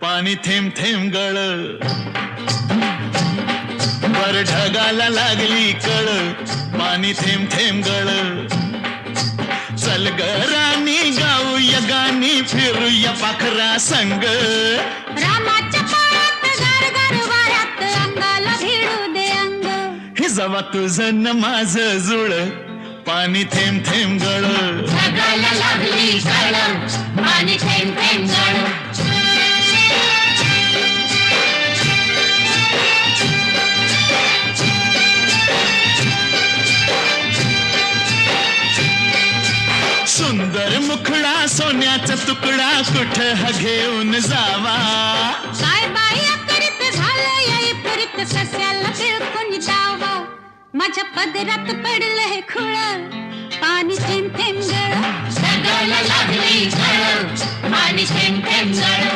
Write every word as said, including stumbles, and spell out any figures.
पाणी थेंब थेंब गळ, वर ढगाला लागली कळ, पाणी थेंब थेंब गळ. चल ग राणी गाऊया गाणी, फिरूया पाखरा संग. रामाच्या पायात गार गार वाऱ्यात अंगाला भिडू दे अंग. हे जवा तुझं न माझं जुळ, पाणी थेंब थेंब गळ. ढगाला लागली कळ, पाणी थेंब थेंब गळ. सुंदर मुखडा सोन्याचा तुकडा, कुठ हा घेऊन जावा. काय बाई अकरीत झालंय पुरीत, सस्याला बिळकून जावा. माझ्या पदरात पडलं हे खुळ, पाणी थेंब थेंब गळ. ढगाला लागली कळ, पाणी थेंब थेंब गळ.